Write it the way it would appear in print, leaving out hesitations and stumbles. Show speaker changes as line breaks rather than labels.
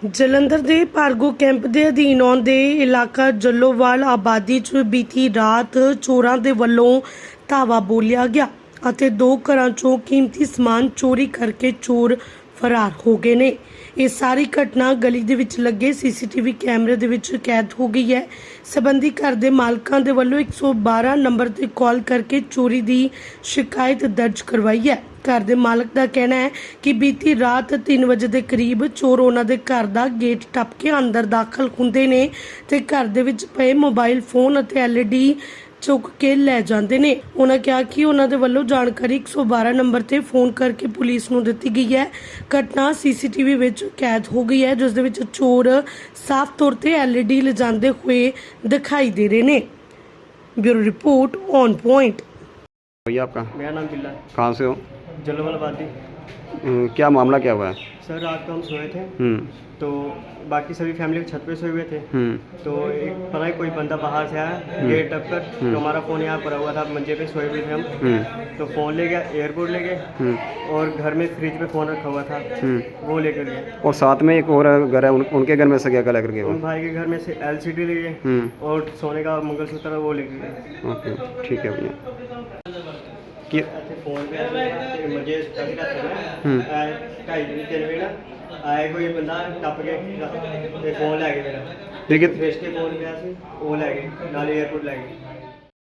ਜਲੰਧਰ ਦੇ ਭਾਰਗੋ ਕੈਂਪ ਦੇ ਅਧੀਨ ਆਉਂਦੇ ਇਲਾਕਾ ਜੱਲੋਵਾਲ ਆਬਾਦੀ 'ਚ ਬੀਤੀ ਰਾਤ ਚੋਰਾਂ ਦੇ ਵੱਲੋਂ ਧਾਵਾ ਬੋਲਿਆ ਗਿਆ ਅਤੇ ਦੋ ਘਰਾਂ 'ਚੋਂ ਕੀਮਤੀ ਸਮਾਨ ਚੋਰੀ ਕਰਕੇ ਚੋਰ ਫਰਾਰ ਹੋ ਗਏ ਨੇ। ਇਹ ਸਾਰੀ ਘਟਨਾ ਗਲੀ ਦੇ ਵਿੱਚ ਲੱਗੇ ਸੀਸੀਟੀਵੀ ਕੈਮਰੇ ਦੇ ਵਿੱਚ ਕੈਦ ਹੋ ਗਈ ਹੈ। ਸੰਬੰਧੀ ਘਰ ਦੇ ਮਾਲਕਾਂ ਦੇ ਵੱਲੋਂ 112 ਨੰਬਰ ਤੇ ਕਾਲ ਕਰਕੇ ਚੋਰੀ ਦੀ ਸ਼ਿਕਾਇਤ ਦਰਜ ਕਰਵਾਈ ਹੈ। घर के मालक का कहना है कि बीती रात 3 बजे के करीब चोर उन्होंने घर का गेट टप के अंदर दाखिल होंगे ने ते घर दे विच पे मोबाइल फोन और LED चुक के लै जाते हैं। उन्होंने कहा कि उन्होंने वालों जानकारी 112 नंबर ते फोन करके पुलिस को दी गई है। घटना CCTV विच कैद हो गई है, जिस दे विच चोर साफ तौर पर LED ले जाते हुए दिखाई दे रहे हैं। Bureau report on point.
भैया आपका?
मेरा नाम बिल्ला है।
कहाँ से हो?
जलोवाल आबादी।
क्या मामला क्या हुआ है?
सर रात को हम सोए थे तो बाकी सभी फैमिली छत पे सोए हुए थे तो एक पता नहीं कोई बंदा बाहर से आया गेट टप कर तो हमारा फ़ोन यहाँ पड़ा हुआ था, मंजे पे सोए हुए थे हम तो फ़ोन ले गया, एयरपोर्ट ले गए और घर में फ्रिज पे फ़ोन रखा हुआ था वो लेकर गए।
और साथ में एक और घर है, उनके घर में से क्या लेकर गए?
उन भाई के घर में से LCD ले गए और सोने का मंगलसूत्र वो लेकर गए।
ओके ठीक है भैया।
फोन पे मुझे 2:30 बजे ना आए कोई बंदा टप के फोन लै गए मेरा।
लेकिन
फेस के फोन गया वो लै गए नाल एयरपोर्ट लै गए।